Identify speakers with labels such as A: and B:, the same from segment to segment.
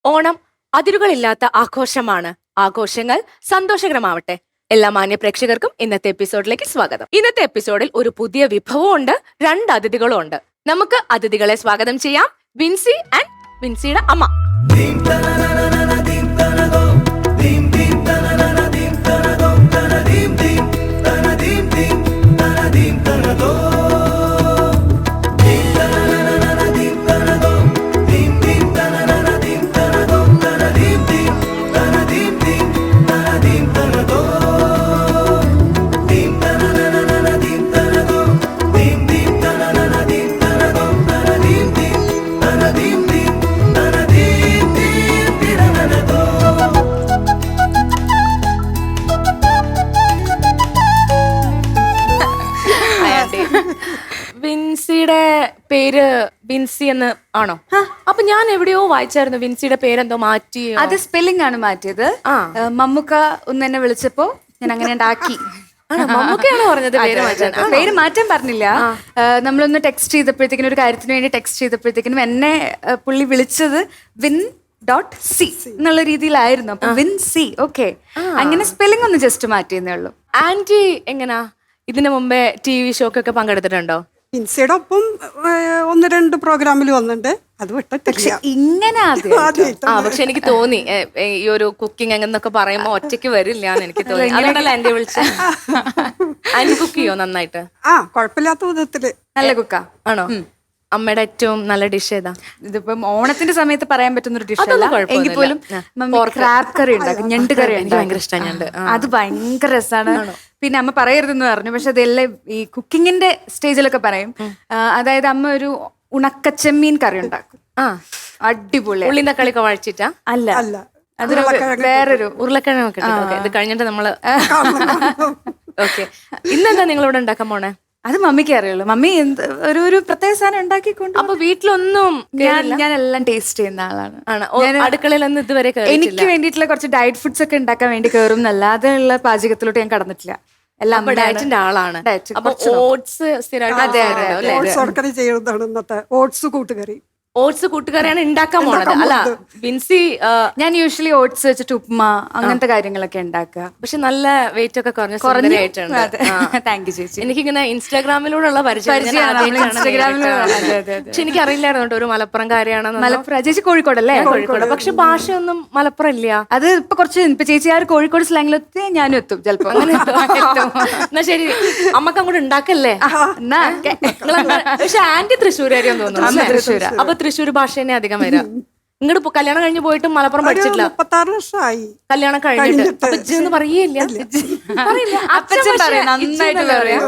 A: ഓണം അതിരുകളില്ലാത്ത ആഘോഷമാണ്. ആഘോഷങ്ങൾ സന്തോഷകരമാവട്ടെ. എല്ലാ മാന്യ പ്രേക്ഷകർക്കും ഇന്നത്തെ എപ്പിസോഡിലേക്ക് സ്വാഗതം. ഇന്നത്തെ എപ്പിസോഡിൽ ഒരു പുതിയ വിഭവവും ഉണ്ട്, 2 അതിഥികളും ഉണ്ട്. നമുക്ക് അതിഥികളെ സ്വാഗതം ചെയ്യാം. വിൻസി ആൻഡ് വിൻസിയുടെ അമ്മ. വിൻസിയുടെ പേര് വിൻസി എന്ന് ആണോ? അപ്പൊ ഞാൻ എവിടെയോ വായിച്ചായിരുന്നു വിൻസിയുടെ പേരെന്തോ മാറ്റി.
B: അത് സ്പെല്ലിംഗ് ആണ് മാറ്റിയത്. മമ്മൂക്ക ഒന്ന് എന്നെ വിളിച്ചപ്പോ ഞാൻ അങ്ങനെ ഉണ്ടാക്കി.
A: മമ്മൂക്കയാണ് പറഞ്ഞത് പേര് മാറ്റാൻ.
B: പേര് മാറ്റാൻ പറഞ്ഞില്ല. നമ്മളൊന്ന് ടെക്സ്റ്റ് ചെയ്തപ്പോഴത്തേക്കിനും, ഒരു കാര്യത്തിന് വേണ്ടി ടെക്സ്റ്റ് ചെയ്തപ്പോഴത്തേക്കിനും എന്നെ പുള്ളി വിളിച്ചത് Win.C എന്നുള്ള രീതിയിലായിരുന്നു. അപ്പൊ Win.C. ഓക്കെ, അങ്ങനെ സ്പെല്ലിംഗ് ഒന്ന് ജസ്റ്റ് മാറ്റിയെന്നേ ഉള്ളൂ.
A: ആന്റി എങ്ങനാ ഇതിനു മുമ്പേ TV ഷോക്കൊക്കെ പങ്കെടുത്തിട്ടുണ്ടോ?
C: വിൻസിയുടെ ഒപ്പം 1-2 പ്രോഗ്രാമിൽ വന്നിട്ടുണ്ട്. അത് വിട്ടിട്ടില്ല.
B: ഇങ്ങനെ
A: പക്ഷെ എനിക്ക് തോന്നി ഈ ഒരു കുക്കിംഗ് എന്നൊക്കെ പറയുമ്പോ ഒറ്റയ്ക്ക് വരില്ല എന്ന് എനിക്ക് തോന്നി. അതുകൊണ്ടല്ല ആന്റി വിളിച്ച. ആന്റി കുക്ക് ചെയ്യോ നന്നായിട്ട്?
C: കുഴപ്പമില്ലാത്ത വിധത്തില്
B: നല്ല കുക്കാ.
A: ആണോ? അമ്മയുടെ ഏറ്റവും നല്ല ഡിഷ് ഏതാ?
B: ഇതിപ്പം ഓണത്തിന്റെ സമയത്ത് പറയാൻ പറ്റുന്ന ഒരു ഡിഷ് അല്ല, എങ്കിൽ പോലും ക്രാബ് കറി ഉണ്ടാക്കും, ഞണ്ട് കറി
A: ഭയങ്കര ഇഷ്ടമാണ്.
B: അത് ഭയങ്കര രസമാണ്. പിന്നെ അമ്മ പറയരുതെന്ന് പറഞ്ഞു, പക്ഷെ അതെല്ലാം ഈ കുക്കിങ്ങിന്റെ സ്റ്റേജിലൊക്കെ പറയും. അതായത് അമ്മ ഒരു ഉണക്കച്ചെമ്മീൻ കറി ഉണ്ടാക്കും. അടിപൊളി.
A: ഉള്ളി തക്കാളിയൊക്കെ വഴച്ചിട്ടാ?
B: അല്ല, അതൊരു വേറൊരു
A: ഉരുളക്കിഴങ്ങൊക്കെ. ഇത് കഴിഞ്ഞിട്ട് നമ്മള് ഓക്കെ. ഇന്നെന്താ നിങ്ങളിവിടെ ഉണ്ടാക്കാൻ പോണേ?
B: അത് മമ്മിക്ക് അറിയുള്ളൂ. മമ്മി ഒരു പ്രത്യേക സാധനം ഉണ്ടാക്കിക്കൊണ്ട്.
A: അപ്പൊ വീട്ടിലൊന്നും
B: ഞാൻ എല്ലാം ടേസ്റ്റ് ചെയ്യുന്ന ആളാണ്.
A: അടുക്കളയിലൊന്നും ഇതുവരെ
B: എനിക്ക് വേണ്ടിയിട്ടുള്ള കുറച്ച് ഡയറ്റ് ഫുഡ്സ് ഒക്കെ ഉണ്ടാക്കാൻ വേണ്ടി കയറും എന്നല്ലാതെ ഉള്ള പാചകത്തിലോട്ട് ഞാൻ കടന്നിട്ടില്ല. എല്ലാം
A: ഡയറ്റിന്റെ ആളാണ്. ഓട്സ്
C: ചെയ്യുന്നതാണ് ഇന്നത്തെ ഓട്സ് കൂട്ടുകറി.
A: ഓട്സ് കൂട്ടുകറിയാണ് ഉണ്ടാക്കാൻ പോണത് അല്ല വിൻസി?
B: ഞാൻ യൂഷ്വലി ഓട്സ് വെച്ചിട്ട് ഉപ്മ അങ്ങനത്തെ കാര്യങ്ങളൊക്കെ ഉണ്ടാക്കുക.
A: പക്ഷെ നല്ല വെയിറ്റ് ഒക്കെ കുറഞ്ഞിട്ടുണ്ട്.
B: താങ്ക് യു ചേച്ചി.
A: എനിക്കിങ്ങനെ ഇൻസ്റ്റാഗ്രാമിലൂടെയുള്ള പരിചയം. പക്ഷെ എനിക്ക് അറിയില്ലായിരുന്നു ഒരു മലപ്പുറം കാര്യമാണെന്ന്.
B: മലപ്പുറം ചേച്ചി കോഴിക്കോടല്ലേ?
A: കോഴിക്കോട്. പക്ഷെ ഭാഷയൊന്നും മലപ്പുറം ഇല്ല.
B: അത് ഇപ്പൊ ചേച്ചി ആ കോഴിക്കോട് സ്ലാങ്ങിലെത്തി ഞാനും എത്തും ചിലപ്പോ.
A: എന്നാ ശരി, അമ്മക്ക് അങ്ങോട്ട് ഉണ്ടാക്കല്ലേ? പക്ഷെ ആന്റി തൃശ്ശൂരാരിയാന്ന് തോന്നുന്നു.
B: തൃശ്ശൂരാ.
A: അപ്പൊ തൃശ്ശൂർ ഭാഷ തന്നെ അധികം വരാം. ഇങ്ങോട്ട് കല്യാണം കഴിഞ്ഞ് പോയിട്ടും മലപ്പുറം പഠിച്ചിട്ടില്ല.
C: 36 വർഷമായി
A: കല്യാണം കഴിഞ്ഞിട്ട്. ഇജ്ജെന്ന് പറയേയില്ല.
B: അപ്പച്ചൻ പറയും, നന്നായിട്ട് പറയും.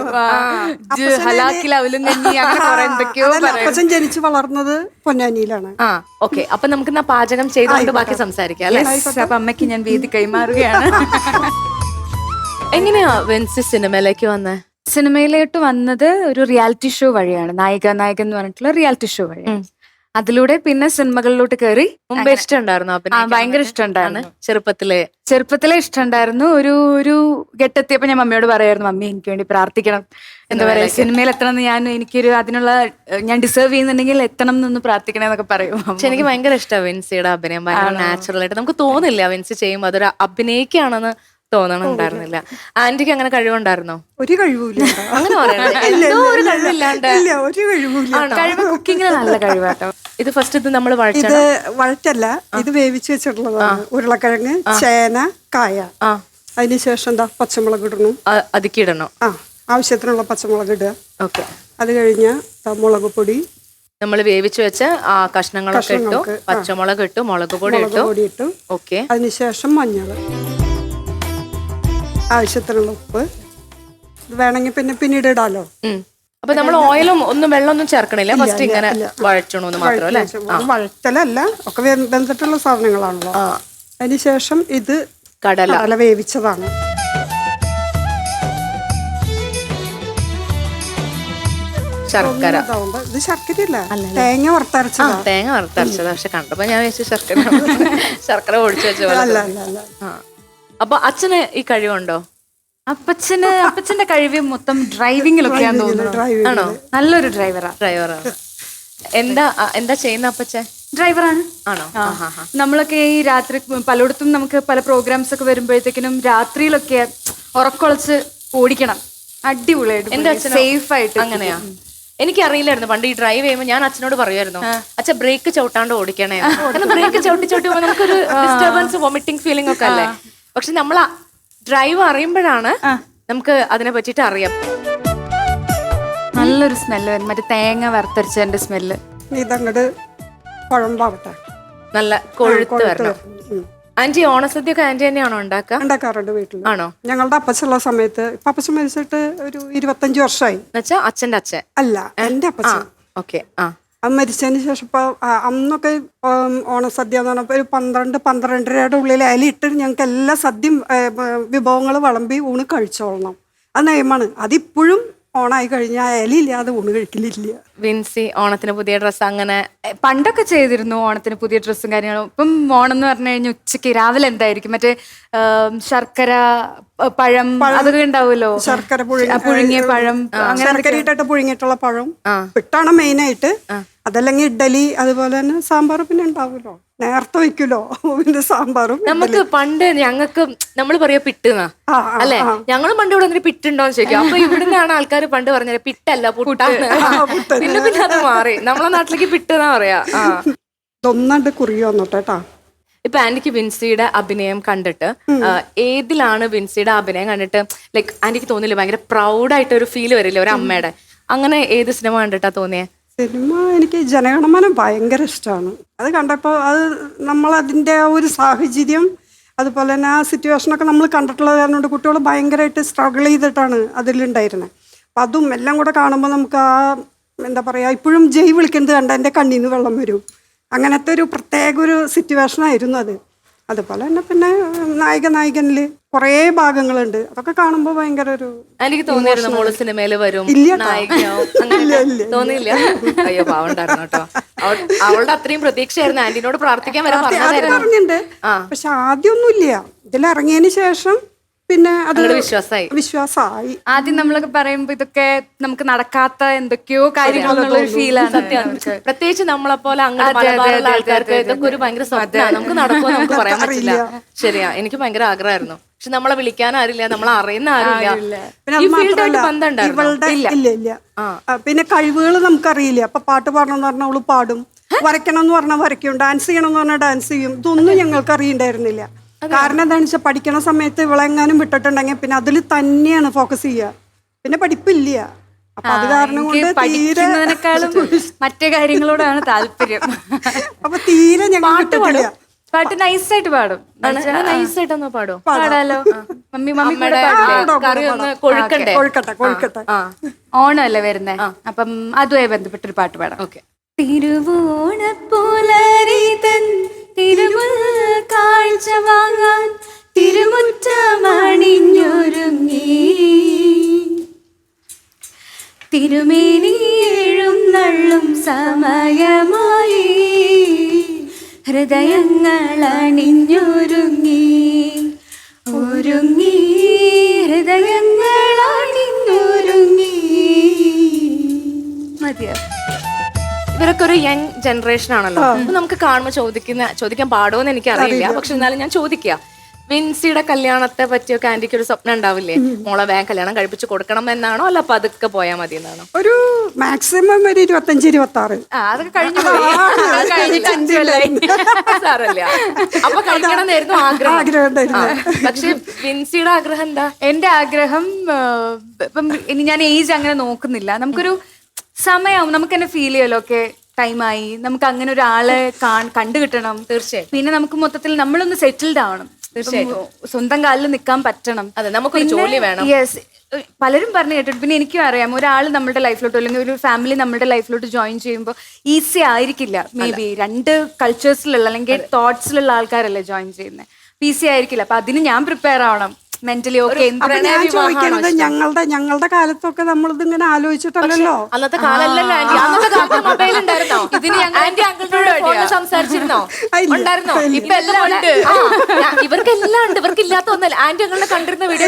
C: അപ്പച്ചൻ ജനിച്ചു വളർന്നത് പൊന്നാനിയിലാണ്.
A: ഓക്കെ. അപ്പൊ നമുക്ക് പാചകം ചെയ്തുകൊണ്ട് ബാക്കി സംസാരിക്കാം അല്ലെ?
B: അപ്പൊ അമ്മയ്ക്ക് ഞാൻ വേദി കൈമാറുകയാണ്.
A: എങ്ങനെയാ വെൻസി സിനിമയിലേക്ക് വന്നേ?
B: സിനിമയിലോട്ട് വന്നത് ഒരു റിയാലിറ്റി ഷോ വഴിയാണ്. നായിക എന്ന് പറഞ്ഞിട്ടുള്ള റിയാലിറ്റി ഷോ വഴിയാണ്. അതിലൂടെ പിന്നെ സിനിമകളിലോട്ട് കയറി.
A: മുമ്പേ ഇഷ്ടമുണ്ടായിരുന്നു?
B: ഭയങ്കര ഇഷ്ടമുണ്ടായിരുന്നു.
A: ചെറുപ്പത്തിലെ
B: ഇഷ്ടമുണ്ടായിരുന്നു. ഒരു ഘട്ടെത്തിയപ്പോ ഞാൻ മമ്മിയോട് പറയായിരുന്നു, മമ്മി എനിക്ക് വേണ്ടി പ്രാർത്ഥിക്കണം, എന്താ പറയാ സിനിമയിൽ എത്തണം എന്ന്, എനിക്കൊരു അതിനുള്ള ഞാൻ ഡിസേർവ് ചെയ്യുന്നുണ്ടെങ്കിൽ എത്തണം എന്നൊന്ന് പ്രാർത്ഥിക്കണം എന്നൊക്കെ പറയും.
A: പക്ഷെ എനിക്ക് ഭയങ്കര ഇഷ്ടമാണ് വിൻസിയുടെ അഭിനയം. ഭയങ്കര നാച്ചുറൽ ആയിട്ട് നമുക്ക് തോന്നില്ല വിൻസി ചെയ്യുമ്പോൾ അതൊരു അഭിനയിക്കുകയാണെന്ന് തോന്നണുണ്ടായിരുന്നില്ല. ആന്റിക്ക് അങ്ങനെ കഴിവുണ്ടായിരുന്നോ?
C: ഒരു കഴിവില്ല.
A: അങ്ങനെ
B: കഴിവ് കുക്കിങ്ങിന് നല്ല കഴിവാട്ടോ.
A: ഇത് ഫസ്റ്റ് ഇത് നമ്മൾ
C: വഴറ്റല്ല, ഇത് വേവിച്ച് വെച്ചിട്ടുള്ളതാണ്. ഉരുളക്കിഴങ്ങ്, ചേന, കായ. അതിനുശേഷം എന്താ പച്ചമുളക് ഇടണം,
A: അതിക്കിടണം.
C: ആവശ്യത്തിനുള്ള പച്ചമുളക് ഇടുക.
A: ഓക്കെ.
C: അത് കഴിഞ്ഞ മുളക് പൊടി
A: നമ്മൾ വേവിച്ച് വെച്ച ആ കഷ്ണങ്ങളൊക്കെ ഇട്ടു, പച്ചമുളക് ഇട്ടു, മുളക് പൊടി ഇട്ടു. ഓക്കെ.
C: അതിനുശേഷം മഞ്ഞൾ, ആവശ്യത്തിനുള്ള ഉപ്പ്. വേണമെങ്കിൽ പിന്നീട് ഇടാലോ.
A: അപ്പൊ നമ്മൾ ഓയിലും വെള്ളമൊന്നും ചേർക്കണില്ല, ഫസ്റ്റ് ഇങ്ങനെ വഴറ്റണമെന്ന് മാത്രം അല്ലേ?
C: വഴറ്റലല്ല, ഒക്കെ വെന്തിട്ടുള്ള സാധനങ്ങളാണല്ലോ. അതിനുശേഷം ഇത് കടല വേവിച്ചതാണ്.
A: ശർക്കര.
C: ഇത് ശർക്കരയല്ല, തേങ്ങ വറുത്തരച്ചതാ.
A: തേങ്ങ വറുത്തരച്ചത്. പക്ഷെ കണ്ടപ്പോ ഞാൻ വെച്ച് ശർക്കര ഒഴിച്ചു വെച്ച പോലെ. അപ്പൊ അച്ഛന് ഈ കഴിവുണ്ടോ?
B: അപ്പച്ചന്റെ കഴിവ് മൊത്തം ഡ്രൈവിംഗിലൊക്കെയാന്ന് തോന്നുന്നു.
A: ആണോ?
B: നല്ലൊരു ഡ്രൈവറാ.
A: എന്താ ചെയ്യുന്ന അപ്പച്ചൻ?
B: ഡ്രൈവറാണ്.
A: ആണോ?
B: നമ്മളൊക്കെ ഈ രാത്രി പലയിടത്തും നമുക്ക് പല പ്രോഗ്രാംസ് ഒക്കെ വരുമ്പോഴത്തേക്കിനും രാത്രിയിലൊക്കെ ഉറക്കൊളച്ച് ഓടിക്കണം. അടിപൊളിയായിട്ട് സേഫ് ആയിട്ട്.
A: അങ്ങനെയാ? എനിക്കറിയില്ലായിരുന്നു പണ്ട് ഈ ഡ്രൈവ് ചെയ്യുമ്പോൾ ഞാൻ അച്ഛനോട് പറയുമായിരുന്നു, അച്ഛൻ ബ്രേക്ക് ചവിട്ടാണ്ട് ഓടിക്കണേ. കാരണം ബ്രേക്ക് ചവിട്ടി ചവിട്ടുമ്പോൾ നമുക്കൊരു ഡിസ്റ്റർബൻസ്, വോമിറ്റിംഗ് ഫീലിംഗ് ഒക്കെ അല്ലേ. പക്ഷെ നമ്മൾ ഡ്രൈവ് അറിയുമ്പോഴാണ് നമുക്ക് അതിനെ പറ്റിയിട്ട് അറിയാം.
B: നല്ലൊരു സ്മെല്ല്, മറ്റേ തേങ്ങ വറുത്തരച്ചതിന്റെ സ്മെല്ല്.
C: ഇതങ്ങട് കുഴമ്പാവട്ടെ,
A: നല്ല കൊഴുത്ത് വരണം. ആന്റി ഓണസദ്യ ഒക്കെ ആന്റി തന്നെയാണോ
C: ഉണ്ടാക്കാറുണ്ട് വീട്ടിൽ.
A: ആണോ?
C: ഞങ്ങളുടെ അപ്പച്ചുള്ള സമയത്ത്, ഇപ്പൊ അപ്പച്ചൻ മരിച്ചിട്ട് ഒരു 25 വർഷമായി.
A: എന്നുവെച്ചാ അച്ഛന്റെ അച്ഛൻ
C: അല്ല, എന്റെ അപ്പച്ചൻ.
A: ഓക്കെ.
C: അത് മരിച്ചതിന് ശേഷം ഇപ്പൊ അന്നൊക്കെ ഓണസദ്യ എന്ന് പറഞ്ഞപ്പോ ഒരു 12-12:30 ഉള്ളിൽ അലിയിട്ട് ഞങ്ങൾക്ക് എല്ലാ സദ്യയും വിഭവങ്ങൾ വിളമ്പി ഊണ് കഴിച്ചോളണം. അത് നിയമമാണ്. അതിപ്പോഴും ഓണായി കഴിഞ്ഞാൽ ഇലയില്ലാതെ ഊണ് കഴിക്കലില്ല.
A: വിൻസി ഓണത്തിന് പുതിയ ഡ്രസ്സ് അങ്ങനെ
B: പണ്ടൊക്കെ ചെയ്തിരുന്നു, ഓണത്തിന് പുതിയ ഡ്രസ്സും കാര്യങ്ങളും. ഇപ്പം ഓണം എന്ന് പറഞ്ഞു കഴിഞ്ഞാൽ ഉച്ചയ്ക്ക് രാവിലെ എന്തായിരിക്കും, മറ്റേ ശർക്കര പഴം അതൊക്കെ ഉണ്ടാവുമല്ലോ,
C: ശർക്കര
B: പുഴുങ്ങിയ പഴം,
C: ശർക്കര ഇട്ടിട്ട് പുഴുങ്ങിയിട്ടുള്ള പഴം പിട്ടാണ് മെയിനായിട്ട്. അതല്ലെങ്കിൽ ഇഡ്ഡലി, അതുപോലെ തന്നെ സാമ്പാർ പിന്നെ ഉണ്ടാവുമല്ലോ, നേരത്തെ വെക്കുമല്ലോ പിന്നെ സാമ്പാറും.
A: നമുക്ക് പണ്ട് ഞങ്ങൾക്ക് നമ്മൾ പറയാ പിട്ടെന്നാ അല്ലെ, ഞങ്ങളും പണ്ട് ഇവിടെ വന്നിട്ട് പിട്ടുണ്ടോന്ന് ചോദിക്കും. അപ്പൊ ഇവിടുന്നാണ് ആൾക്കാർ പണ്ട് പറഞ്ഞത് പിട്ടല്ല പുട്ടാണ്. പിന്നെ പിന്നെ അത് മാറി, നമ്മളെ നാട്ടിലേക്ക് പിട്ടെന്നാ പറയാ.
C: ഒന്നാണ്ട് കുറിയോ വന്നോട്ടേട്ടാ.
A: ഇപ്പൊ ആന്റിക്ക് വിൻസിയുടെ അഭിനയം കണ്ടിട്ട് ഏതിലാണ് വിൻസിയുടെ അഭിനയം കണ്ടിട്ട് ലൈക്ക് ആന്റിക്ക് തോന്നില്ല ഭയങ്കര പ്രൗഡായിട്ട് ഒരു ഫീൽ വരില്ലേ ഒരു അമ്മയുടെ? അങ്ങനെ ഏത് സിനിമ കണ്ടിട്ടാ തോന്നിയേ?
C: സിനിമ എനിക്ക് ജനഗണമന ഭയങ്കര ഇഷ്ടമാണ്. അത് കണ്ടപ്പോൾ അത് നമ്മളതിൻ്റെ ഒരു സാഹചര്യം, അതുപോലെ തന്നെ ആ സിറ്റുവേഷനൊക്കെ നമ്മൾ കണ്ടിട്ടുള്ളത് കാരണം കൊണ്ട് കുട്ടികൾ ഭയങ്കരമായിട്ട് സ്ട്രഗിൾ ചെയ്തിട്ടാണ് അതിലുണ്ടായിരുന്നത്. അപ്പം അതും എല്ലാം കൂടെ കാണുമ്പോൾ നമുക്ക് ആ എന്താ പറയുക, ഇപ്പോഴും ജയ് വിളിക്കുന്നത് കണ്ട എൻ്റെ കണ്ണിൽ നിന്ന് വെള്ളം വരും. അങ്ങനത്തെ ഒരു പ്രത്യേക ഒരു സിറ്റുവേഷനായിരുന്നു അത്. അതുപോലെ തന്നെ പിന്നെ നായകനിൽ കുറേ ഭാഗങ്ങളുണ്ട്. അതൊക്കെ കാണുമ്പോൾ ഭയങ്കര ഒരു
A: എനിക്ക് തോന്നിയിരുന്നു മോള് സിനിമയില് വരും തോന്നിയില്ല. അയ്യോ പാവണ്ടായിരുന്നു കേട്ടോ. അവളുടെ അത്രയും പ്രതീക്ഷയായിരുന്നു. ആന്റിനോട് പ്രാർത്ഥിക്കാൻ വരെ
C: പറഞ്ഞിട്ടുണ്ട്. പക്ഷെ ആദ്യമൊന്നുമില്ല, ഇതിലിറങ്ങിയതിന് ശേഷം പിന്നെ അത് വിശ്വാസമായി.
B: ആദ്യം നമ്മളൊക്കെ പറയുമ്പോ ഇതൊക്കെ നമുക്ക് നടക്കാത്ത എന്തൊക്കെയോ കാര്യങ്ങളെന്നുള്ള ഫീലാണ്.
A: സത്യം. പ്രത്യേകിച്ച് നമ്മളെ പോലെ അങ്ങനെ പല ആൾക്കാർക്ക് ഇതൊക്കെ ഒരു ഭയങ്കര സ്വപ്നമാണ്. നമുക്ക് നടക്കുമോ നമുക്ക് പറയാൻ പറ്റില്ല. ശരിയാ, എനിക്ക് ഭയങ്കര ആഗ്രഹമായിരുന്നു. പക്ഷെ നമ്മളെ വിളിക്കാൻ ആരില്ല, നമ്മളെ അറിയുന്ന ആരില്ല.
C: ഇല്ല. പിന്നെ കഴിവുകൾ നമുക്കറിയില്ല. അപ്പൊ പാട്ട് പാടണമെന്ന് പറഞ്ഞാൽ അവള് പാടും, വരയ്ക്കണം എന്ന് പറഞ്ഞാൽ വരയ്ക്കും, ഡാൻസ് ചെയ്യണം എന്ന് പറഞ്ഞാൽ ഡാൻസ് ചെയ്യും. ഇതൊന്നും ഞങ്ങൾക്ക് അറിയണ്ടായിരുന്നില്ല. കാരണം എന്താണെന്ന് വെച്ചാൽ പഠിക്കണ സമയത്ത് ഇവളെങ്ങാനും വിട്ടിട്ടുണ്ടെങ്കിൽ പിന്നെ അതിൽ തന്നെയാണ് ഫോക്കസ് ചെയ്യുക, പിന്നെ പഠിപ്പില്ല. അപ്പൊ അത് കാരണം കൊണ്ട്
B: പഠിക്കുന്നതിനേക്കാളും മറ്റേ കാര്യങ്ങളോടാണ് താല്പര്യം.
C: അപ്പൊ തീരെ ഞങ്ങൾ വിട്ടിട്ടില്ല.
B: പാട്ട് നൈസായിട്ട് പാടും.
A: നൈസായിട്ടൊന്ന് പാടോ?
B: പാടാലോ.
C: കൊഴുക്കട്ടെ.
B: ഓണമല്ലേ വരുന്നേ, അപ്പം അതുമായി ബന്ധപ്പെട്ടൊരു പാട്ട് പാടാം. ഓക്കെ. തിരുവോണപ്പുലരിതൻ തിരുമുൽ കാഴ്ച വാങ്ങാൻ തിരുമുറ്റമണിഞ്ഞൊരുങ്ങി തിരുമേനി എഴുന്നള്ളും സമയമായി ഹൃദയങ്ങൾ അണിഞ്ഞൊരുങ്ങി ഹൃദയങ്ങൾ അണിഞ്ഞൊരുങ്ങി. മതിയോ?
A: ഇവരൊക്കെ ഒരു യങ് ജനറേഷൻ ആണല്ലോ. അപ്പൊ നമുക്ക് കാണുമ്പോൾ ചോദിക്കാൻ പാടുമെന്ന് എനിക്കറിയില്ല. പക്ഷെ എന്നാലും ഞാൻ ചോദിക്കുക, വിൻസിയുടെ കല്യാണത്തെ പറ്റിയൊക്കെ ആന്റിക്ക് ഒരു സ്വപ്നം ഉണ്ടാവില്ലേ? മോളെ വേഗം കല്യാണം കഴിപ്പിച്ച് കൊടുക്കണം എന്നാണോ, അല്ല പതുക്കെ പോയാൽ മതി എന്നാണോ?
C: ഒരു മാക്സിമം ഒരു 25-26.
B: അതൊക്കെ കഴിഞ്ഞു.
A: സാറല്ല, അപ്പൊ കഴിക്കണമെന്നായിരുന്നു ആഗ്രഹം. പക്ഷെ വിൻസിയുടെ ആഗ്രഹം എന്താ?
B: എന്റെ ആഗ്രഹം ഇപ്പം ഇനി ഞാൻ ഏജ് അങ്ങനെ നോക്കുന്നില്ല. നമുക്കൊരു സമയമാവും, നമുക്ക് തന്നെ ഫീൽ ചെയ്യല്ലോ, ഓക്കെ ടൈമായി, നമുക്ക് അങ്ങനെ ഒരാളെ കണ്ടു കിട്ടണം.
A: തീർച്ചയായും.
B: പിന്നെ നമുക്ക് മൊത്തത്തിൽ നമ്മളൊന്ന് സെറ്റിൽഡ് ആവണം. തീർച്ചയായും സ്വന്തം കാലിൽ നിൽക്കാൻ പറ്റണം.
A: അതെ, നമുക്കൊരു ജോലി വേണം.
B: യെസ്, പലരും പറഞ്ഞു കേട്ടിട്ട്. പിന്നെ എനിക്കും അറിയാം, ഒരാൾ നമ്മുടെ ലൈഫിലോട്ട് അല്ലെങ്കിൽ ഒരു ഫാമിലി നമ്മുടെ ലൈഫിലോട്ട് ജോയിൻ ചെയ്യുമ്പോൾ ഈസി ആയിരിക്കില്ല. മേ ബി രണ്ട് കൾച്ചേഴ്സിലുള്ള അല്ലെങ്കിൽ തോട്ട്സിലുള്ള ആൾക്കാരല്ലേ ജോയിൻ ചെയ്യുന്നത്. ഈസി ആയിരിക്കില്ല. അപ്പൊ അതിന് ഞാൻ പ്രിപ്പയർ ആവണം. മെന്റലി ഓക്കെ
C: അപ്പൊ ഞാൻ ചോദിക്കുന്നത് ഞങ്ങളുടെ കാലത്തൊക്കെ നമ്മളിത് ഇങ്ങനെ ആലോചിച്ചിട്ടല്ലോ.
A: അന്നത്തെ കാലല്ലല്ലോ ആന്റി. അന്നത്തെ കാലത്ത് മൊബൈൽ ഉണ്ടായിരുന്നോ? ഇതിന് ആന്റി അങ്കിളിനോട് ഫോണിൽ സംസാരിച്ചിരുന്നോ? ഉണ്ടായിരുന്നോ? ഇപ്പൊ എല്ലാം ഉണ്ട്. ഇവർക്കെല്ലാം ഉണ്ട്. ഇവർക്ക് ഇല്ലാത്ത ഒന്നല്ല. ആന്റി അങ്കിളിനെ കണ്ടിരുന്ന വീഡിയോ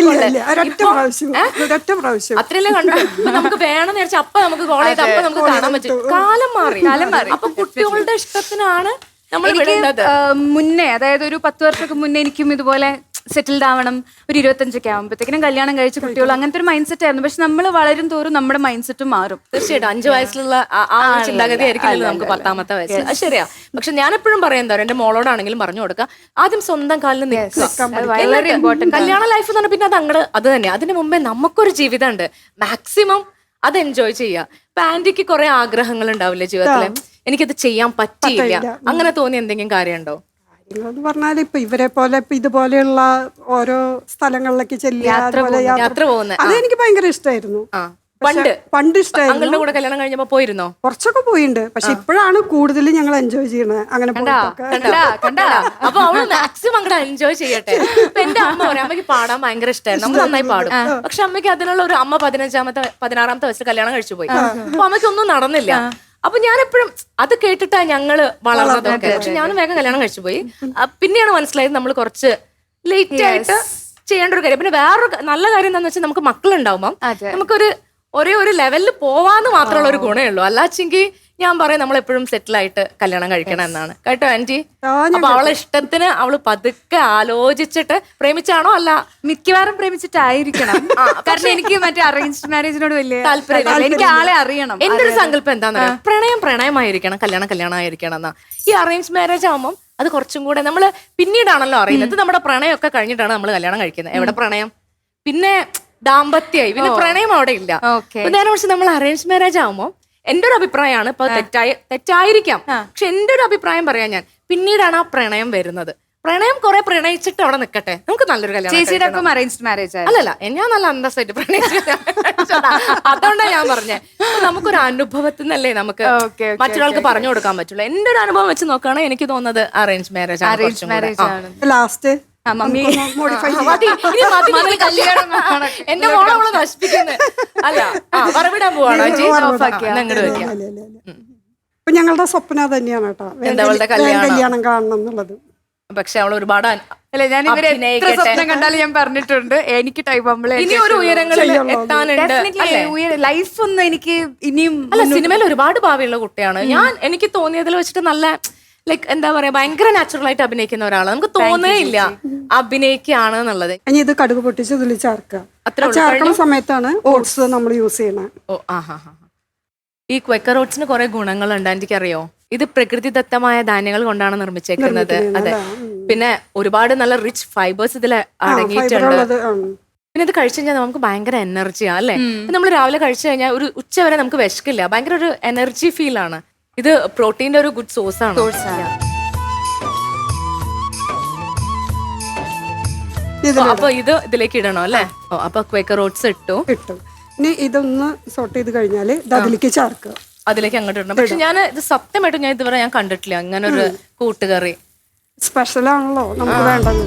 C: ഒരൊറ്റ പ്രാവശ്യം
A: അത്രയല്ലേ കണ്ടിട്ടുള്ളൂ. നമുക്ക് വേണമെന്ന് വിചാരിച്ചാൽ അപ്പൊ നമുക്ക് കോൾ ചെയ്ത് അപ്പൊ നമുക്ക് കാണാൻ പറ്റും. കാലം മാറി. അപ്പൊ കുട്ടികളുടെ ഇഷ്ടത്തിനാണ് നമ്മൾ വിടുന്നത്.
B: മുന്നേ അതായത് ഒരു 10 വർഷമൊക്കെ മുന്നേ എനിക്കും ഇതുപോലെ സെറ്റിൽഡ് ആവണം, ഒരു 25ഒക്കെ ആകുമ്പോഴത്തേക്കിനും കല്യാണം കഴിച്ച് കുട്ടികൾ, അങ്ങനത്തെ ഒരു മൈൻഡ് സെറ്റ് ആയിരുന്നു. പക്ഷെ നമ്മൾ വളരും തോറും നമ്മുടെ മൈൻഡ് സെറ്റും മാറും.
A: തീർച്ചയായിട്ടും 5 വയസ്സിലുള്ള ആ ചിന്താഗതി ആയിരിക്കില്ലല്ലോ നമുക്ക് 10ാമത്തെ വയസ്സിൽ. അത് ശരിയാ. പക്ഷെ ഞാൻ എപ്പോഴും പറയാൻ തരാം, എന്റെ മോളോടാണെങ്കിലും പറഞ്ഞു കൊടുക്കുക, ആദ്യം സ്വന്തം കാലിൽ നിൽക്കുക.
B: വളരെ ഇമ്പോർട്ടന്റ്.
A: കല്യാണ ലൈഫ് എന്ന് പറഞ്ഞാൽ പിന്നെ അത് അങ്ങോട്ട് അത് തന്നെ. അതിന് മുമ്പേ നമുക്കൊരു ജീവിതം ഉണ്ട്, മാക്സിമം അത് എൻജോയ് ചെയ്യുക. ഇപ്പൊ ആന്റിക്ക് കുറെ ആഗ്രഹങ്ങൾ ഉണ്ടാവില്ലേ ജീവിതത്തില്, എനിക്കത് ചെയ്യാൻ പറ്റിയില്ല, അങ്ങനെ തോന്നിയ എന്തെങ്കിലും കാര്യമുണ്ടോ?
C: കാര്യങ്ങളെന്ന് പറഞ്ഞാൽ ഇപ്പൊ ഇവരെ പോലെ ഇപ്പൊ ഇതുപോലെയുള്ള ഓരോ സ്ഥലങ്ങളിലേക്ക്
A: യാത്ര പോകുന്നത്
C: അത് എനിക്ക് ഭയങ്കര ഇഷ്ടമായിരുന്നു. പണ്ട് ഇഷ്ടമായിരുന്നു.
A: അങ്ങളുടെ കൂടെ കല്യാണം കഴിഞ്ഞപ്പോ പോയിരുന്നോ?
C: കുറച്ചൊക്കെ പോയിട്ടുണ്ട്. പക്ഷെ ഇപ്പോഴാണ് കൂടുതൽ ഞങ്ങൾ എൻജോയ് ചെയ്യണത്. അങ്ങനെ
A: അപ്പൊ അവള് മാക്സിമം അങ്ങോട്ട് എൻജോയ് ചെയ്യട്ടെ. ഇപ്പൊ എന്റെ അമ്മ പറയും, അമ്മയ്ക്ക് പാടാൻ ഭയങ്കര ഇഷ്ടമായിരുന്നു, നമ്മൾ നന്നായി പാടും. പക്ഷെ അമ്മയ്ക്ക് അതിനുള്ള ഒരു അമ്മ 16ാമത്തെ വയസ്സിൽ കല്യാണം കഴിച്ചു പോയി. അപ്പൊ അമ്മയ്ക്ക് ഒന്നും നടന്നില്ല. അപ്പൊ ഞാൻ എപ്പോഴും അത് കേട്ടിട്ടാ ഞങ്ങള് വളർന്നതൊക്കെ. പക്ഷെ ഞാനും വേഗം കല്യാണം കഴിച്ചു പോയി. പിന്നെയാണ് മനസ്സിലായത് നമ്മൾ കുറച്ച് ലേറ്റ് ആയിട്ട് ചെയ്യേണ്ട ഒരു കാര്യം. പിന്നെ വേറൊരു നല്ല കാര്യം എന്താന്ന് വെച്ചാൽ നമുക്ക് മക്കളുണ്ടാവുമ്പം നമുക്കൊരു ഒരേ ഒരു ലെവലിൽ പോവാന്ന് മാത്രമുള്ള ഒരു ഗുണമേ ഉള്ളൂ. അല്ലാച്ചെങ്കിൽ ഞാൻ പറയാം നമ്മൾ എപ്പോഴും സെറ്റിൽ ആയിട്ട് കല്യാണം കഴിക്കണം എന്നാണ്. കേട്ടോ ആന്റി? അപ്പൊ അവളെ ഇഷ്ടത്തിന് അവള് പതുക്കെ ആലോചിച്ചിട്ട് പ്രേമിച്ചാണോ? അല്ല,
B: മിക്കവാറും പ്രേമിച്ചിട്ടായിരിക്കണം. കാരണം എനിക്ക് മറ്റേ അറേഞ്ച്ഡ് മാരേജിനോട് വലിയ താല്പര്യം. എനിക്ക് ആളെ അറിയണം.
A: എന്റെ ഒരു സങ്കല്പം എന്താന്ന് പറയാം, പ്രണയമായിരിക്കണം, കല്യാണമായിരിക്കണം എന്നാ. ഈ അറേഞ്ച് മാരേജ് ആവുമ്പം അത് കുറച്ചും കൂടെ നമ്മള് പിന്നീടാണല്ലോ അറിയുന്നത്. നമ്മുടെ പ്രണയമൊക്കെ കഴിഞ്ഞിട്ടാണ് നമ്മൾ കല്യാണം കഴിക്കുന്നത്. എവിടെ പ്രണയം? പിന്നെ ദാമ്പത്യമായി, പിന്നെ പ്രണയം അവിടെ ഇല്ല. നേരെ പക്ഷെ നമ്മൾ അറേഞ്ച് മാരേജ് ആവുമ്പോൾ എന്റെ ഒരു അഭിപ്രായമാണ്, ഇപ്പൊ തെറ്റായിരിക്കാം, പക്ഷെ എന്റെ ഒരു അഭിപ്രായം പറയാൻ ഞാൻ, പിന്നീടാണ് ആ പ്രണയം വരുന്നത്. പ്രണയം കുറെ പ്രണയിച്ചിട്ട് അവിടെ നിൽക്കട്ടെ, നമുക്ക് നല്ലൊരു കല്യാണം.
B: അറേഞ്ച്ഡ് മാരേജ്
A: അല്ലല്ല, ഞാൻ നല്ല അന്തസ്സായിട്ട് പ്രണയിച്ചു. അതുകൊണ്ടാണ് ഞാൻ പറഞ്ഞത്, നമുക്കൊരു അനുഭവത്തിൽ നിന്നല്ലേ നമുക്ക് മറ്റൊരാൾക്ക് പറഞ്ഞു കൊടുക്കാൻ പറ്റുള്ളൂ. എന്റെ ഒരു അനുഭവം വെച്ച് നോക്കുകയാണെങ്കിൽ എനിക്ക് തോന്നുന്നത് അറേഞ്ച് മാരേജ് ആണ്.
C: ലാസ്റ്റ്
A: എന്റെ മോളെ നശിപ്പിക്കുന്നത് അല്ല, പറവിടാൻ പോവാണോ?
C: ഇപ്പൊ ഞങ്ങളുടെ സ്വപ്നം തന്നെയാണ് കേട്ടോ, കല്യാണം കാണണം എന്നുള്ളത്.
A: പക്ഷെ അവൾ ഒരുപാട്
B: അല്ലെ, ഞാൻ ഇവരെ സ്വപ്നം കണ്ടാലും ഞാൻ പറഞ്ഞിട്ടുണ്ട്, എനിക്ക് ടൈം ആകുമ്പോഴേ
A: ഇനി ഒരു ഉയരങ്ങളിൽ എത്താനുണ്ട്.
B: ലൈഫ് ഒന്നും എനിക്ക് ഇനിയും
A: അല്ല, സിനിമയിൽ ഒരുപാട് ഭാവിയുള്ള കുട്ടിയാണ് ഞാൻ. എനിക്ക് തോന്നിയതിൽ വെച്ചിട്ട് നല്ല ലൈക്ക് എന്താ പറയാ, ഭയങ്കര നാച്ചുറൽ ആയിട്ട് അഭിനയിക്കുന്ന ഒരാളാണ്. നമുക്ക് തോന്നേ ഇല്ല അഭിനയിക്കുകയാണ് എന്നുള്ളത്.
C: ഇനി ഇത് കടുക് പൊട്ടിച്ച് ഇതിൽ ചേർക്കുന്ന സമയത്താണ് ഓട്സ് നമ്മൾ യൂസ് ചെയ്യണത്.
A: ഓ ഈ ക്വക്കർ ഓട്സിന് കുറെ ഗുണങ്ങളുണ്ട്, എനിക്കറിയോ. ഇത് പ്രകൃതിദത്തമായ ധാന്യങ്ങൾ കൊണ്ടാണ് നിർമ്മിച്ചേക്കുന്നത്. അതെ, പിന്നെ ഒരുപാട് നല്ല റിച്ച് ഫൈബേഴ്സ് ഇതിൽ അടങ്ങിയിട്ടുണ്ട്. പിന്നെ ഇത് കഴിച്ചു കഴിഞ്ഞാൽ നമുക്ക് ഭയങ്കര എനർജിയാ അല്ലേ. നമ്മൾ രാവിലെ കഴിച്ചു കഴിഞ്ഞാൽ ഒരു ഉച്ച വരെ നമുക്ക് വിശക്കില്ല, ഭയങ്കര ഒരു എനർജി ഫീൽ ആണ്. ഇത് പ്രോട്ടീന്റെ ഒരു ഗുഡ് സോഴ്സ് ആണ്. അപ്പൊ ഇത് ഇതിലേക്ക് ഇടണോ അല്ലേ? അപ്പൊ ക്വേക്കർ ഓട്സ് ഇട്ടു.
C: ഇനി ഇതൊന്ന് സോട്ട് ചെയ്ത് കഴിഞ്ഞാല് അതിലേക്ക് ചേർക്കുക,
A: അതിലേക്ക് അങ്ങോട്ട് ഇടണം. പക്ഷെ ഞാൻ ഇത് സത്യമായിട്ടും ഞാൻ ഇതുവരെ ഞാൻ കണ്ടിട്ടില്ല അങ്ങനെ ഒരു കൂട്ടുകറി.
C: സ്പെഷ്യൽ ആണല്ലോ നമുക്ക് വേണ്ടത്.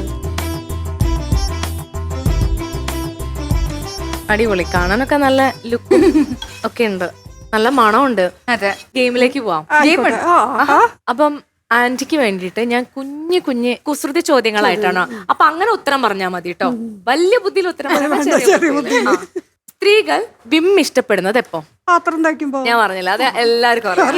A: അടിപൊളി, കാണാനൊക്കെ നല്ല ലുക്കും ഒക്കെ ഉണ്ട്, നല്ല മണമുണ്ട്.
B: അതെ,
A: ഗെയിമിലേക്ക് പോവാം. അപ്പം ആന്റിക്ക് വേണ്ടിയിട്ട് ഞാൻ കുഞ്ഞു കുസൃതി ചോദ്യങ്ങളായിട്ടാണ്. അപ്പൊ അങ്ങനെ ഉത്തരം പറഞ്ഞാൽ മതി കേട്ടോ, വലിയ ബുദ്ധിയിൽ ഉത്തരം പറഞ്ഞാൽ. സ്ത്രീകൾ വിം ഇഷ്ടപ്പെടുന്നത് എപ്പോ?
C: പാത്രം തയ്ക്കുമ്പോ.
A: ഞാൻ പറഞ്ഞില്ല, അത് എല്ലാവർക്കും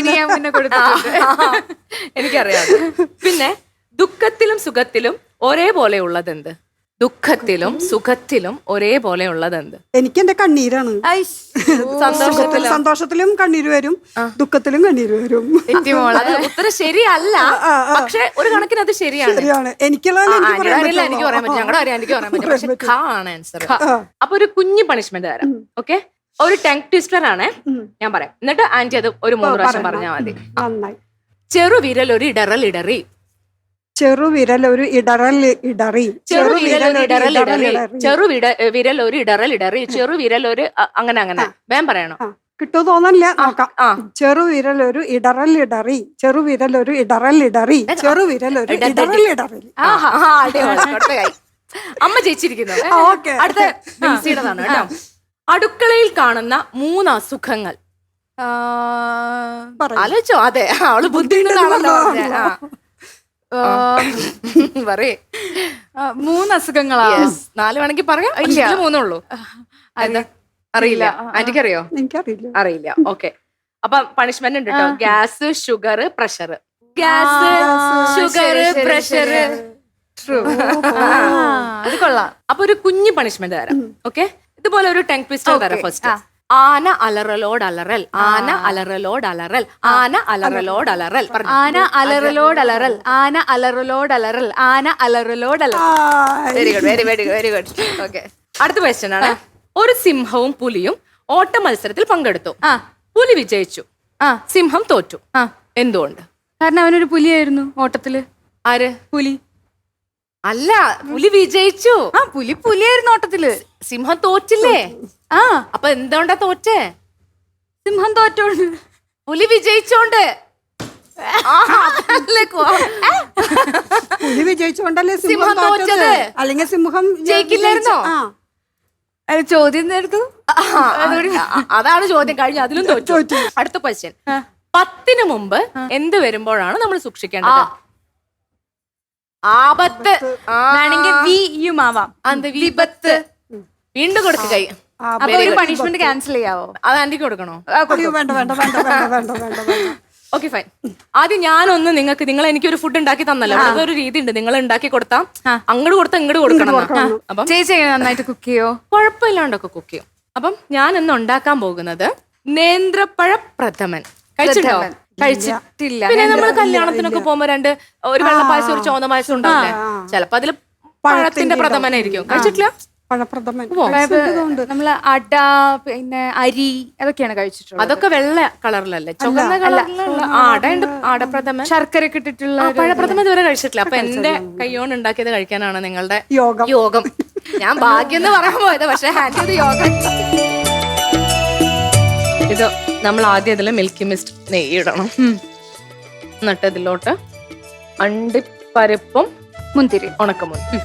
A: എനിക്കറിയാം. പിന്നെ ദുഃഖത്തിലും സുഖത്തിലും ഒരേപോലെ ഉള്ളത് എന്ത്? ദുഃഖത്തിലും സുഖത്തിലും ഒരേപോലെ ഉള്ളത് എന്ത്?
C: എനിക്ക് എന്റെ കണ്ണീരാണ്. സന്തോഷത്തിലും കണ്ണീര് വരും, ദുഃഖത്തിലും കണ്ണീര് വരും.
A: ഉത്തരം ശരിയല്ല, പക്ഷെ ഒരു കണക്കിന് അത് ശരിയാണ്.
C: എനിക്ക്
A: പറയാൻ പറ്റും, ഞങ്ങളുടെ കാര്യം എനിക്ക് പറയാൻ പറ്റും, പക്ഷെ ഖ ആണ് ആൻസർ. അപ്പൊ ഒരു കുഞ്ഞു പണിഷ്മെന്റ് തരാം. ഓക്കെ, ഒരു ടങ് ട്വിസ്റ്റർ ആണ് ഞാൻ പറയാം, എന്നിട്ട് ആന്റി അത് ഒരു 3 പ്രാവശ്യം പറഞ്ഞാൽ മതി.
C: നന്നായി.
A: ചെറുവിരൽ ഒരു ഇടറൽ ഇടറി.
C: ചെറുവിരൽ ഒരു ഇടറൽ ഇടറി.
A: ചെറുവിരൽ ഒരു ഇടറൽ ഇടറി. ചെറുവിരൽ ഒരു ഇടറൽ ഇടറി. ചെറുവിരൽ ഒരു അങ്ങനെ വേഗം പറയണം.
C: കിട്ടുമോ തോന്നല്ല, നോക്കാം. ചെറുവിരൽ ഒരു ഇടറൽ ഇടറി. ചെറുവിരൽ ഒരു ഇടറൽ ഇടറി. ചെറുവിരൽ ഒരു ഇടറൽ ഇടറി.
A: അമ്മ ജയിച്ചിരിക്കുന്നു.
C: ഓക്കെ.
A: അടുത്ത ബിൻസിയുടേതാണ് കേട്ടോ. അടുക്കളയിൽ കാണുന്ന 3 അസുഖങ്ങൾ ആലോചിച്ചോ. അതെ, അവള് ബുദ്ധിമുട്ടാണല്ലോ. പറയേ.
B: 3 അസുഖങ്ങളാ.
A: 4 വേണമെങ്കിൽ പറയാം. 3 ഉള്ളൂ. അറിയില്ല. ആന്റിക്ക് അറിയോ?
C: എനിക്കറിയില്ല.
A: അറിയില്ല. ഓക്കെ, അപ്പൊ പണിഷ്മെന്റ് ഉണ്ട് കേട്ടോ. Gas, sugar, pressure. Gas, sugar, pressure.
B: അത് കൊള്ളാം.
A: അപ്പൊ ഒരു കുഞ്ഞു പണിഷ്മെന്റ് തരാം. ഓക്കെ, ഇതുപോലെ ഒരു ടങ് ട്വിസ്റ്റർ തരാം. ഫസ്റ്റ്, ആന അലറലോട് അലറൽ. ആന അലറലോട് അലറൽ. ആന അലറലോട് അലറൽ.
B: ആന അലറലോട് അലറൽ. ആന അലറലോട് അലറൽ. ആന അലറലോട് അലറൽ.
A: Very good, very very very good. Okay, അടുത്ത ക്വസ്റ്റ്യൻ ആണ്. ഒരു സിംഹവും പുലിയും ഓട്ട മത്സരത്തിൽ പങ്കെടുത്തു. പുലി വിജയിച്ചു, സിംഹം തോറ്റു. എന്തുകൊണ്ട്?
B: കാരണം അവനൊരു പുലിയായിരുന്നു ഓട്ടത്തില്.
A: ആര്?
B: പുലി
A: അല്ല, പുലി വിജയിച്ചു.
B: പുലിയായിരുന്നു ഓട്ടത്തില്.
A: സിംഹം തോറ്റില്ലേ? അപ്പൊ എന്തുകൊണ്ടാ തോറ്റേ?
B: സിംഹം തോറ്റോണ്ട്.
A: പുലി വിജയിച്ചോണ്ട്.
C: പുലി വിജയിച്ചുകൊണ്ടല്ലേ
A: സിംഹം തോറ്റത്.
C: അല്ലെങ്കിൽ സിംഹം
A: ജയിക്കില്ലായിരുന്നോ?
B: ചോദ്യം നേരത്തു.
A: അതാണ് ചോദ്യം. കഴിഞ്ഞു, അതിലും തോറ്റു. അടുത്ത ക്വസ്റ്റ്യൻ. 10 മുമ്പ് എന്ത് വരുമ്പോഴാണ് നമ്മൾ സൂക്ഷിക്കേണ്ടത്? ആപത്ത്.
B: വേണമെങ്കിൽ വിയും ആവാം.
A: വിപത്ത്. വീണ്ടും കൊടുക്ക കൈ.
B: അപ്പൊ ഒരു പണിഷ്മെന്റ് ക്യാൻസൽ ചെയ്യാവോ?
A: അത് ആന്റിക്ക് കൊടുക്കണോ?
C: വേണ്ട വേണ്ട വേണ്ട വേണ്ട വേണ്ട വേണ്ട വേണ്ട.
A: Okay, fine. ആദ്യം ഞാനൊന്ന് നിങ്ങൾ എനിക്കൊരു ഫുഡ് ഉണ്ടാക്കി തന്നല്ലോ. അതൊരു രീതി ഉണ്ട്. നിങ്ങൾ ഉണ്ടാക്കി കൊടുത്താ അങ്ങോട്ട് കൊടുത്താൽ ഇങ്ങോട്ട് കൊടുക്കണം. അപ്പം
B: ചേച്ചി നന്നായിട്ട് കുക്ക് ചെയ്യോ?
A: കുഴപ്പമില്ലാണ്ടൊക്കെ കുക്ക് ചെയ്യും. അപ്പം ഞാൻ ഇന്ന് ഉണ്ടാക്കാൻ പോകുന്നത് നേന്ത്രപ്പഴ പ്രഥമൻ. കഴിച്ചിട്ടോ?
B: കഴിച്ചിട്ടില്ല.
A: പിന്നെ നമ്മൾ കല്യാണത്തിനൊക്കെ പോകുമ്പോ ഒരു വെള്ളപ്പായസം ഒരു ചോന്ന പായസം ഉണ്ടാവില്ലേ? ചിലപ്പോ അതില് പഴത്തിന്റെ പ്രഥമനായിരിക്കും. കഴിച്ചിട്ടില്ല?
C: പഴപ്രഥമൻ
B: നമ്മള് അട, പിന്നെ അരി, അതൊക്കെയാണ് കഴിച്ചിട്ടുള്ളത്.
A: അതൊക്കെ വെള്ള കളറിലല്ലേ? ചുവന്ന കളറിലുള്ള അടയുണ്ട്. ആടപ്രഥമൻ,
B: ശർക്കര ഒക്കെ ഇട്ടിട്ടുള്ള
A: പഴപ്രഥമൻ ഇതുവരെ കഴിച്ചിട്ടില്ല. അപ്പൊ എന്റെ കൈയോണ്ട് ഉണ്ടാക്കിയത് കഴിക്കാനാണ് നിങ്ങളുടെ
C: യോഗം.
A: യോഗം. ഞാൻ ഭാഗ്യം എന്ന് പറയാൻ പോയത്, പക്ഷെ ഹാൻഡ് യോഗം. ഇത് നമ്മൾ ആദ്യം ഇതിൽ മിൽക്കി മിസ്റ്റ് നെയ്യ് ഇടണം. എന്നിട്ട് ഇതിലോട്ട് അണ്ടിപ്പരിപ്പും
B: മുന്തിരി,
A: ഉണക്കമുന്തിരി,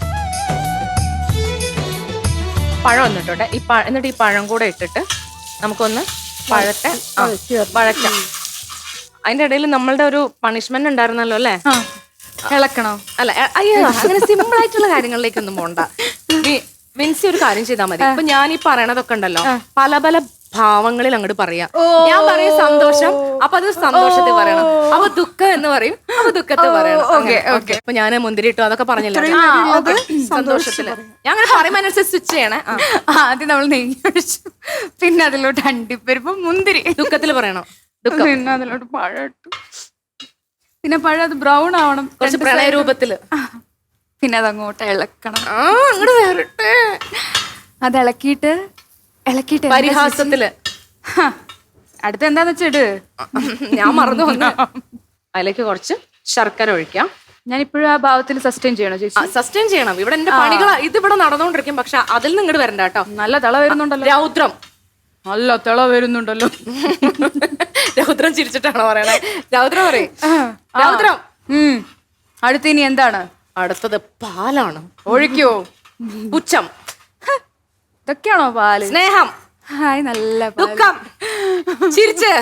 A: പഴം എന്നിട്ടുണ്ട്. എന്നിട്ട് ഈ പഴം കൂടെ ഇട്ടിട്ട് നമുക്കൊന്ന് വഴറ്റാം. അതിന്റെ ഇടയിൽ നമ്മളുടെ ഒരു പണിഷ്മെന്റ് ഉണ്ടായിരുന്നല്ലോ അല്ലേ?
B: ഇളക്കണോ?
A: അല്ല, അയ്യോ, അങ്ങനെ സിമ്പിൾ ആയിട്ടുള്ള കാര്യങ്ങളിലേക്കൊന്നും പോണ്ട. വിൻസി ഒരു കാര്യം ചെയ്താൽ മതി. ഇപ്പൊ ഞാൻ ഈ പറയണതൊക്കെ ഉണ്ടല്ലോ, പല പല ഭാവങ്ങളിൽ അങ്ങോട്ട് പറയാം. ഞാൻ പറയും സന്തോഷം, അപ്പൊ അത് സന്തോഷത്തിൽ പറയണം. അപ്പൊ ദുഃഖം എന്ന് പറയും, അപ്പൊ ദുഃഖത്തിൽ പറയണം. ഓക്കെ. അപ്പൊ ഞാൻ മുന്തിരി ഇട്ടു അതൊക്കെ പറഞ്ഞില്ലേ, സന്തോഷത്തില് ഞാൻ അങ്ങനെ പറയുമ്പോ അനുസരിച്ച് സ്വിച്ച് ചെയ്യണേ.
B: ആദ്യം നമ്മൾ നെയ്യ് ഒഴിച്ചു, പിന്നെ അതിലോട്ട് അണ്ടിപ്പരിപ്പ്, മുന്തിരി.
A: ദുഃഖത്തിൽ പറയണം. ദുഃഖം.
B: പിന്നെ അതിലോട്ട് പഴം ഇട്ടു, പിന്നെ പഴം അത് ബ്രൗൺ ആവണം,
A: കുറച്ച് പ്രളയ രൂപത്തില്.
B: പിന്നെ അതങ്ങോട്ട് ഇളക്കണം.
A: അങ്ങോട്ട് വേറിട്ട്
B: അത് ഇളക്കിയിട്ട്
A: പരിഹാസത്തില്.
B: അടുത്ത എന്താന്ന് വെച്ചിട്ട്
A: ഞാൻ മറന്നു വന്നു. അതിലേക്ക് കുറച്ച് ശർക്കര ഒഴിക്കാം.
B: ഞാൻ ഇപ്പോഴും ആ ഭാവത്തിൽ സസ്റ്റെയിൻ ചെയ്യണോ ചേച്ചി?
A: സസ്റ്റെയിൻ ചെയ്യണം. ഇവിടെ എന്റെ പണികൾ ഇതിവിടെ നടന്നുകൊണ്ടിരിക്കും. പക്ഷെ അതിൽ നിന്ന് ഇങ്ങോട്ട് വരണ്ട കേട്ടോ.
B: നല്ല തിള വരുന്നുണ്ടല്ലോ.
A: രൗദ്രം.
B: നല്ല തിള വരുന്നുണ്ടല്ലോ.
A: രൗദ്രം ചിരിച്ചിട്ടാണോ പറയണേ? രൗദ്രം പറയും. രൗദ്രം.
B: അടുത്ത ഇനി എന്താണ്?
A: അടുത്തത് പാലാണ്.
B: ഒഴിക്കോ?
A: പുച്ഛം.
B: ഇതൊക്കെയാണോ പാല്?
A: സ്നേഹം.
B: ഹായ്, നല്ല
A: ദുഃഖം. ചിരിച്ച്.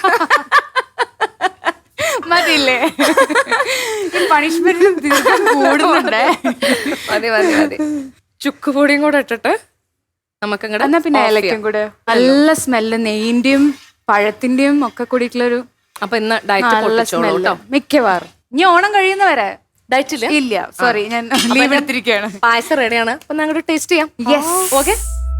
B: മതിയില്ലേ? പണിഷ്മെന്റ് കൂടുന്നുണ്ടേ.
A: മതി മതി മതി. ചുക്കുപൊടിയും കൂടെ ഇട്ടിട്ട് നമുക്ക്
B: എന്നാ പിന്നെ ഏലക്കും കൂടെ. നല്ല സ്മെല്ല്, നെയ്യിന്റെയും പഴത്തിന്റെയും ഒക്കെ കൂടിയിട്ടുള്ളൊരു.
A: അപ്പൊ ഇന്ന് ഡയറ്റ്
B: മിക്കവാറും ഇനി ഓണം കഴിയുന്നവരെ
A: ഡയറ്റില്
B: ഇല്ല. സോറി, ഞാൻ ലീവ് എടുത്തിരിക്കുകയാണ്.
A: പായസം റെഡിയാണ്. അപ്പൊ ഞങ്ങൾ ടേസ്റ്റ് ചെയ്യാം. ഓക്കെ.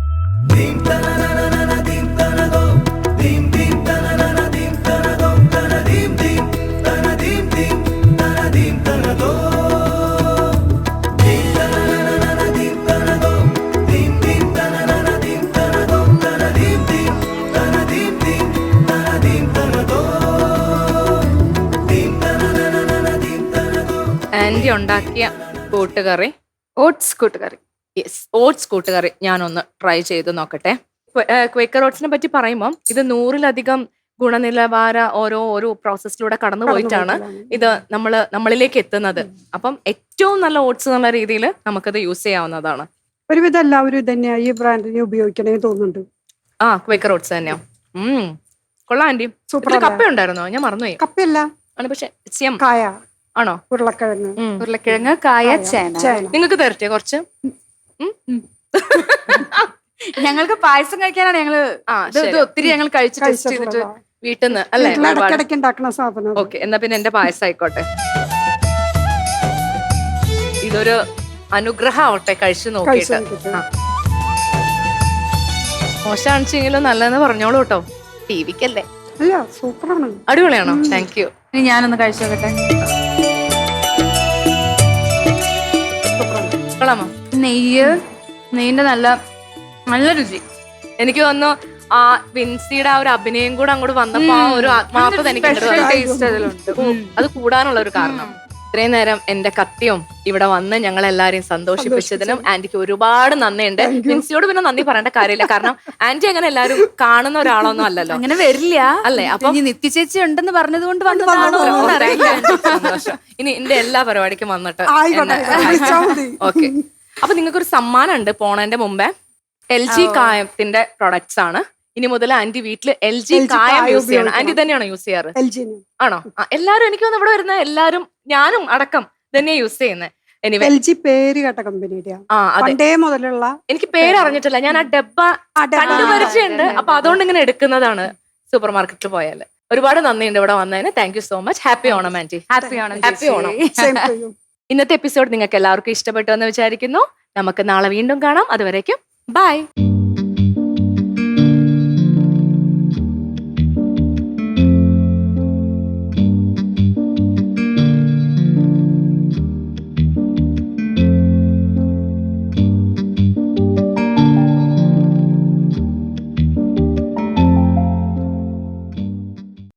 A: ആന്റി ഉണ്ടാക്കിയ കൂട്ടുകറി,
B: ഓട്സ് കൂട്ടുകറി.
A: യെസ്, ഓട്സ് കൂട്ടുകറി ഞാനൊന്ന് ട്രൈ ചെയ്ത് നോക്കട്ടെ. ക്വേക്കർ ഓട്സിനെ പറ്റി പറയുമ്പോൾ ഇത് 100-ലധികം ഗുണനിലവാര ഓരോ പ്രോസസ്സിലൂടെ കടന്നു പോയിട്ടാണ് ഇത് നമ്മളിലേക്ക് എത്തുന്നത്. അപ്പം ഏറ്റവും നല്ല ഓട്സ് എന്നുള്ള രീതിയിൽ നമുക്കത് യൂസ് ചെയ്യാവുന്നതാണ്.
C: ഒരുവിധം എല്ലാവരും ഇത് തന്നെയാ ഈ ബ്രാൻഡിനെ ഉപയോഗിക്കണേ തോന്നുന്നുണ്ട്.
A: ആ ക്വേക്കർ ഓട്സ് തന്നെയോ? കൊള്ളാം ആന്റി.
C: സൂപ്പർ.
A: കപ്പ ഉണ്ടായിരുന്നോ? ഞാൻ മറന്നുപോയി.
C: കപ്പയല്ല,
A: ആണ് പക്ഷെ സിയം
C: കായ,
A: ആണോ?
C: ഉരുളക്കിഴങ്ങ്.
B: ഉരുളക്കിഴങ്ങ്, കായ, ചേന.
A: നിങ്ങൾക്ക് തരട്ടെ കുറച്ച്?
B: ഞങ്ങൾക്ക് പായസം കഴിക്കാനാണ് ഞങ്ങള് ഇത് ഒത്തിരി ഞങ്ങൾ കഴിച്ച് ടെസ്റ്റ് ചെയ്തിട്ട്
A: വീട്ടിൽ നിന്ന് അല്ലേ?
C: ഇടയ്ക്കിടയ്ക്ക് ഉണ്ടാക്കുന്ന സാധനം.
A: ഓക്കെ, എന്നാ പിന്നെ എന്റെ പായസം ആയിക്കോട്ടെ. ഇതൊരു അനുഗ്രഹമാവട്ടെ കഴിച്ചു നോക്കിയിട്ട്. മോശമാണെങ്കിലും നല്ലതെന്ന് പറഞ്ഞോളൂ കേട്ടോ, ടിവിക്കല്ലേ.
C: അല്ല, സൂപ്പറാണ്,
A: അടിപൊളിയാണോ? Thank you.
B: ഇനി ഞാനൊന്ന് കഴിച്ചു നോക്കട്ടെ.
A: കൊള്ളാമോ?
B: നെയ്യിന്റെ നല്ല രുചി.
A: എനിക്ക് തോന്നുന്നു ആ വിൻസിയുടെ ആ ഒരു അഭിനയം കൂടെ അങ്ങോട്ട് വന്നപ്പോ ആ ഒരു ആത്മാർത്ഥത എനിക്ക്
B: ടേസ്റ്റ് അതിലുണ്ട്.
A: അത് കൂടാനുള്ള ഒരു കാരണം. ഇത്രയും നേരം എന്റെ കത്തിയും ഇവിടെ വന്ന് ഞങ്ങൾ എല്ലാരെയും സന്തോഷിപ്പിച്ചതിനും ആന്റിക്ക് ഒരുപാട് നന്ദിയുണ്ട്. വിൻസിയോട് പിന്നെ നന്ദി പറയേണ്ട കാര്യമില്ല, കാരണം ആന്റി അങ്ങനെ എല്ലാരും കാണുന്ന ഒരാളൊന്നും അല്ലല്ലോ,
B: അങ്ങനെ വരില്ല
A: അല്ലേ? അപ്പൊ
B: നിത്യ ചേച്ചി ഉണ്ടെന്ന് പറഞ്ഞത് കൊണ്ട് വന്നതാണോ
A: അറിയില്ല. സന്തോഷം. ഇനി എന്റെ എല്ലാ പരിപാടിക്കും വന്നിട്ട് ഓക്കെ. അപ്പൊ നിങ്ങൾക്കൊരു സമ്മാനം ഉണ്ട് പോണതിന്റെ മുമ്പേ. LG കായത്തിന്റെ പ്രൊഡക്ട്സ് ആണ്. ഇനി മുതൽ ആന്റി വീട്ടില് LG കായം യൂസ് ചെയ്യണം. ആന്റി തന്നെയാണോ യൂസ് ചെയ്യാറ്? ആണോ? എല്ലാരും എനിക്ക് തോന്നുന്നു ഇവിടെ വരുന്ന എല്ലാരും, ഞാനും അടക്കം തന്നെയാ യൂസ് ചെയ്യുന്നത്.
C: LG പേര് കേട്ട കമ്പനിയുടെ പണ്ടേ മുതലുള്ള.
A: എനിക്ക് പേര് അറിഞ്ഞിട്ടില്ല, ഞാൻ ആ ഡബ്ബ കണ്ടുപരിചയുണ്ട്. അപ്പൊ അതുകൊണ്ട് ഇങ്ങനെ എടുക്കുന്നതാണ് സൂപ്പർ മാർക്കറ്റിൽ പോയാല്. ഒരുപാട് നന്ദിയുണ്ട് ഇവിടെ വന്നതിന്. Thank you so much. Happy Onam aunty.
B: Happy Onam.
A: Happy Onam. ഇന്നത്തെ എപ്പിസോഡ് നിങ്ങൾക്ക് എല്ലാവർക്കും ഇഷ്ടപ്പെട്ടു എന്ന് വിചാരിക്കുന്നു. നമുക്ക് നാളെ വീണ്ടും കാണാം. അതുവരേക്കും ബൈ.